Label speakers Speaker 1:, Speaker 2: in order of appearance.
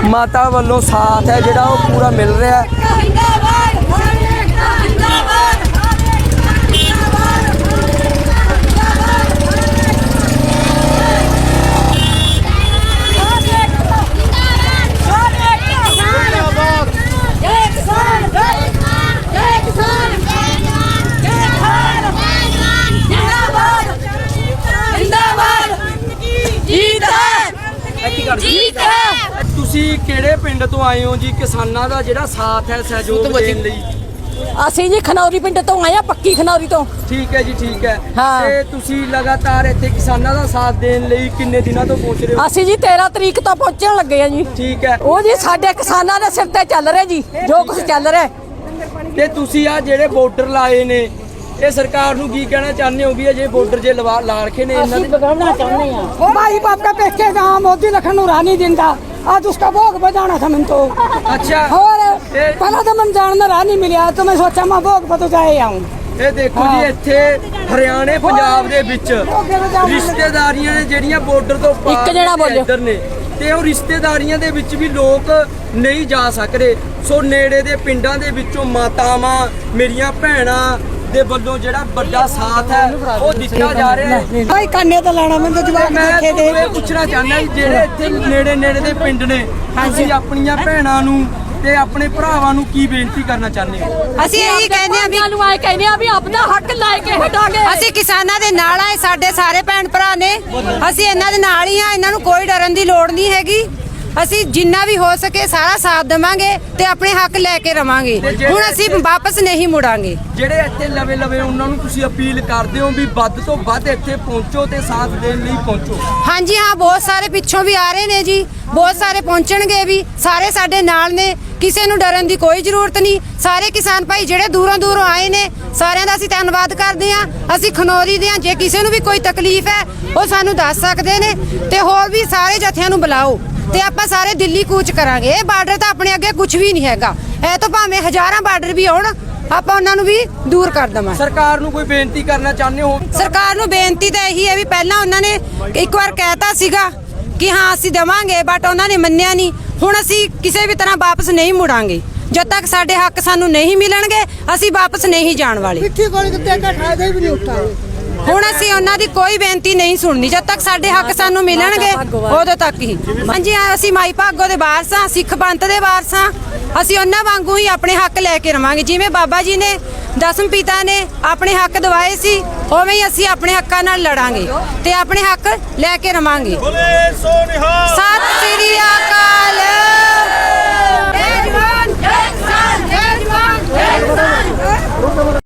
Speaker 1: ਮਾਤਾ ਵੱਲੋਂ ਸਾਥ ਹੈ ਜਿਹੜਾ ਉਹ ਪੂਰਾ ਮਿਲ ਰਿਹਾ। ਤੁਸੀਂ ਕਿਹੜੇ ਪਿੰਡ ਤੋਂ ਆਏ ਹੋ ਜੀ? ਕਿਸਾਨਾਂ ਦਾ ਜਿਹੜਾ ਸਾਥ ਹੈ ਸਹਿਯੋਗ ਦੇਣ ਲਈ।
Speaker 2: ਅਸੀਂ ਜੀ ਖਨੌਰੀ ਪਿੰਡ ਤੋਂ ਆਏ ਆ, ਪੱਕੀ ਖਨੌਰੀ ਤੋਂ।
Speaker 1: ਠੀਕ ਹੈ ਜੀ, ਠੀਕ ਹੈ। ਤੇ ਤੁਸੀਂ ਲਗਾਤਾਰ ਇੱਥੇ ਕਿਸਾਨਾਂ ਦਾ ਸਾਥ ਦੇਣ ਲਈ ਕਿੰਨੇ ਦਿਨਾਂ ਤੋਂ ਪਹੁੰਚ ਰਹੇ ਹੋ?
Speaker 2: ਅਸੀਂ ਜੀ 13 ਤਰੀਕ ਤੋਂ ਪਹੁੰਚਣ ਲੱਗੇ ਆ ਜੀ।
Speaker 1: ਠੀਕ ਹੈ।
Speaker 2: ਉਹ ਜੀ ਸਾਡੇ ਕਿਸਾਨਾਂ ਦੇ ਸਿਰ ਤੇ ਚੱਲ ਰਿਹਾ ਜੀ ਜੋ ਕੁਝ ਚੱਲ ਰਿਹਾ।
Speaker 1: ਤੇ ਤੁਸੀਂ ਆ ਜਿਹੜੇ ਬਾਰਡਰ ਲਾਏ ਨੇ, ਇਹ ਸਰਕਾਰ ਨੂੰ ਕੀ ਕਹਿਣਾ ਚਾਹੁੰਦੇ ਹੋ ਵੀ ਜੇ ਬਾਰਡਰ ਜੇ ਲਾ रखे ਨੇ ਇਹਨਾਂ ਦੇ?
Speaker 2: बगाना चाहते हैं भाई बाप का पेके गाँव मोदी लखन रानी जिंदा आज उसका भोग बजाना था मन तो।
Speaker 1: अच्छा।
Speaker 2: और पहला तो मन जानना रानी मिलिया तो मैं सोचा मैं भोग बतो जाए आऊँ।
Speaker 1: ਇਹ ਦੇਖੋ ਜੀ, ਇੱਥੇ ਹਰਿਆਣੇ ਪੰਜਾਬ ਦੇ ਵਿੱਚ ਰਿਸ਼ਤੇਦਾਰੀਆਂ ਨੇ ਜਿਹੜੀਆਂ ਬਾਰਡਰ ਤੋਂ ਪਾਰ ਇੱਧਰ ਨੇ, ਤੇ ਉਹ ਰਿਸ਼ਤੇਦਾਰੀਆਂ ਦੇ ਵਿੱਚ ਵੀ ਲੋਕ ਨਹੀਂ ਜਾ ਸਕਦੇ। ਸੋ ਨੇੜੇ ਦੇ ਪਿੰਡਾਂ ਦੇ ਵਿੱਚੋਂ ਮਾਤਾਵਾਂ ਮੇਰੀਆਂ ਭੈਣਾਂ ਦੇ ਵੱਲੋਂ ਜਿਹੜਾ ਵੱਡਾ ਸਾਥ ਹੈ ਉਹ ਦਿੱਤਾ ਜਾ ਰਿਹਾ ਹੈ।
Speaker 2: ਭਾਈ ਕੰਨੇ ਤਾਂ ਲੈਣਾ ਮੈਨੂੰ ਜਵਾਬ
Speaker 1: ਦੇਖੇ ਦੇ। ਮੈਂ ਪੁੱਛਣਾ ਚਾਹੁੰਦਾ ਜੀ, ਜਿਹੜੇ ਇੱਥੇ ਨੇੜੇ ਦੇ ਪਿੰਡ ਨੇ, ਤੁਸੀਂ ਆਪਣੀਆਂ ਭੈਣਾਂ ਨੂੰ ਤੇ ਆਪਣੇ ਭਰਾਵਾਂ ਨੂੰ ਕੀ ਬੇਨਤੀ ਕਰਨਾ ਚਾਹੁੰਦੇ ਹੋ?
Speaker 3: ਅਸੀਂ ਇਹੀ ਕਹਿੰਦੇ ਆ
Speaker 2: ਵੀ ਆਪਣਾ ਹੱਕ ਲੈ ਕੇ ਹਟਾਂਗੇ।
Speaker 3: ਅਸੀਂ ਕਿਸਾਨਾਂ ਦੇ ਨਾਲ ਆ, ਸਾਡੇ ਸਾਰੇ ਭੈਣ ਭਰਾ ਨੇ, ਅਸੀਂ ਇਹਨਾਂ ਦੇ ਨਾਲ ਹੀ ਆ। ਇਹਨਾਂ ਨੂੰ ਕੋਈ ਡਰਨ ਦੀ ਲੋੜ ਨਹੀਂ ਹੈਗੀ। ਅਸੀਂ ਜਿੰਨਾ ਵੀ ਹੋ ਸਕੇ ਸਾਰਾ ਸਾਥ ਦੇਵਾਂਗੇ ਤੇ ਆਪਣੇ ਹੱਕ ਲੈ ਕੇ ਰਵਾਂਗੇ। ਹੁਣ ਅਸੀਂ ਵਾਪਸ ਨਹੀਂ ਮੁੜਾਂਗੇ।
Speaker 1: ਜਿਹੜੇ ਇੱਥੇ ਲਵੇ ਉਹਨਾਂ ਨੂੰ ਤੁਸੀਂ ਅਪੀਲ ਕਰਦੇ ਹੋ ਵੀ ਵੱਧ ਤੋਂ ਵੱਧ ਇੱਥੇ ਪਹੁੰਚੋ ਤੇ ਸਾਥ ਦੇਣ ਲਈ ਪਹੁੰਚੋ?
Speaker 3: ਹਾਂਜੀ ਹਾਂ, ਬਹੁਤ ਸਾਰੇ ਪਿੱਛੋਂ ਵੀ ਆ ਰਹੇ ਨੇ ਜੀ, ਬਹੁਤ ਸਾਰੇ ਪਹੁੰਚਣਗੇ ਵੀ। ਸਾਰੇ ਸਾਡੇ ਨਾਲ ਨੇ, ਕਿਸੇ ਨੂੰ ਡਰਨ ਦੀ ਕੋਈ ਜ਼ਰੂਰਤ ਨਹੀਂ। ਸਾਰੇ ਕਿਸਾਨ ਭਾਈ ਜਿਹੜੇ ਦੂਰੋਂ ਆਏ ਨੇ, ਸਾਰਿਆਂ ਦਾ ਅਸੀਂ ਧੰਨਵਾਦ ਕਰਦੇ ਹਾਂ। ਅਸੀਂ ਖਨੌਰੀ ਦੇ ਹਾਂ, ਜੇ ਕਿਸੇ ਨੂੰ ਵੀ ਕੋਈ ਤਕਲੀਫ ਹੈ ਉਹ ਸਾਨੂੰ ਦੱਸ ਸਕਦੇ ਨੇ। ਤੇ ਹੋਰ ਵੀ ਸਾਰੇ ਜਥਿਆਂ ਨੂੰ ਬੁਲਾਓ ਤੇ ਆਪਾਂ ਸਾਰੇ ਦਿੱਲੀ ਕੂਚ ਕਰਾਂਗੇ। ਇਹ ਬਾਰਡਰ ਤਾਂ ਆਪਣੇ ਅੱਗੇ ਕੁਝ ਵੀ ਨਹੀਂ ਹੈਗਾ। ਇਹ ਤਾਂ ਭਾਵੇਂ ਹਜ਼ਾਰਾਂ ਬਾਰਡਰ ਵੀ ਆਉਣ, ਆਪਾਂ ਉਹਨਾਂ ਨੂੰ ਵੀ ਦੂਰ ਕਰ ਦੇਵਾਂਗੇ।
Speaker 1: ਸਰਕਾਰ ਨੂੰ ਕੋਈ ਬੇਨਤੀ ਕਰਨਾ ਚਾਹੁੰਦੇ ਹੋ?
Speaker 3: ਸਰਕਾਰ ਨੂੰ ਬੇਨਤੀ ਤਾਂ ਇਹੀ ਹੈ ਵੀ ਪਹਿਲਾਂ ਉਹਨਾਂ ਨੇ ਇੱਕ ਵਾਰ ਕਹਿਤਾ ਸੀਗਾ ਕਿ ਹਾਂ ਅਸੀਂ ਦੇਵਾਂਗੇ, ਬਟ ਉਹਨਾਂ ਨੇ ਮੰਨਿਆ ਨਹੀਂ। ਹੁਣ ਅਸੀਂ ਕਿਸੇ ਵੀ ਤਰ੍ਹਾਂ ਵਾਪਸ ਨਹੀਂ ਮੁੜਾਂਗੇ। ਜਦ ਤੱਕ ਸਾਡੇ ਹੱਕ ਸਾਨੂੰ ਨਹੀਂ ਮਿਲਣਗੇ ਅਸੀਂ ਵਾਪਸ ਨਹੀਂ ਜਾਣ ਵਾਲੇ। ਹੁਣ ਅਸੀਂ ਉਹਨਾਂ ਦੀ ਕੋਈ ਬੇਨਤੀ ਨਹੀਂ ਸੁਣਨੀ। ਜਦ ਤੱਕ ਸਾਡੇ ਹੱਕ ਸਾਨੂੰ ਮਿਲਣਗੇ ਉਦੋਂ ਤੱਕ ਹੀ। ਹਾਂਜੀ, ਅਸੀਂ ਮਾਈ ਭਾਗੋ ਦੇ ਵਾਰਸ ਹਾਂ, ਸਿੱਖ ਪੰਥ ਦੇ ਵਾਰਸ ਹਾਂ। ਅਸੀਂ ਉਹਨਾਂ ਵਾਂਗੂ ਹੀ ਆਪਣੇ ਹੱਕ ਲੈ ਕੇ ਰਵਾਂਗੇ। ਜਿਵੇਂ ਬਾਬਾ ਜੀ ਨੇ, ਦਸਮ ਪਿਤਾ ਨੇ ਆਪਣੇ ਹੱਕ ਦਿਵਾਏ ਸੀ, ਉਵੇਂ ਹੀ ਅਸੀਂ ਆਪਣੇ ਹੱਕਾਂ ਨਾਲ ਲੜਾਂਗੇ ਤੇ ਆਪਣੇ ਹੱਕ ਲੈ ਕੇ ਰਵਾਂਗੇ। ਸਤਿ ਸ੍ਰੀ ਅਕਾਲ।